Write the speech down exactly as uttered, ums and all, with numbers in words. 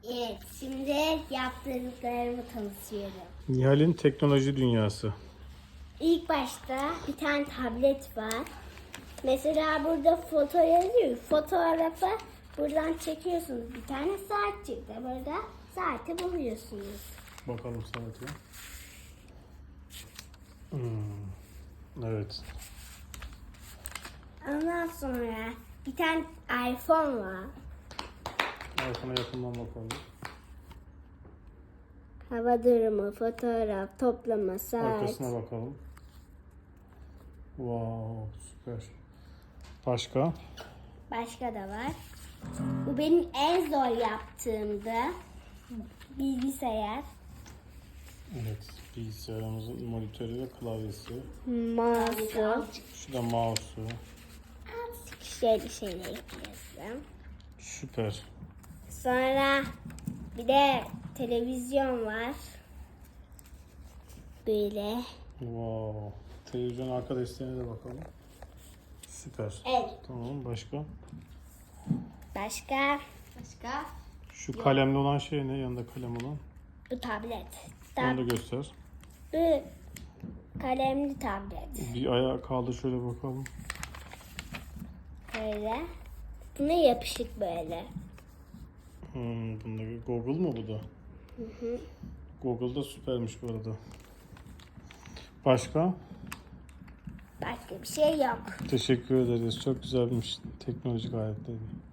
Evet, şimdi yaptırdıklarımı tanıtıyorum. Nihal'in teknoloji dünyası. İlk başta bir tane tablet var. Mesela burada foto yazıyor. Fotoğrafı buradan çekiyorsunuz. Bir tane saat çıktı. Burada saati buluyorsunuz. Bakalım saate. Hmm. Evet. Ondan sonra bir tane iPhone var. iPhone'a yakından bakalım. Hava durumu, fotoğraf, toplama, saat. Arkasına bakalım. Wow, süper. Başka? Başka da var. Bu benim en zor yaptığımda bilgisayar. Evet, bilgisayarımızın monitörü ve klavyesi. Mouse. Şu da mouse'u. Şöyle şeyler ekliyorsun. Süper. Sonra bir de televizyon var. Böyle. Wow. Televizyon arka desteğine de bakalım. Süper. Evet. Tamam, başka? Başka? Başka? Şu kalemli olan şey ne? Yanında kalem olan. Bu tablet. Onu da Tab göster. bu kalemli tablet. Bir ayağa kaldır şöyle bakalım. Böyle. Buna yapışık böyle. Hmm, bunda Google mu bu da? Hı hı. Google da süpermiş bu arada. Başka? Başka bir şey yok. Teşekkür ederiz. Çok güzelmiş teknolojik aletleri.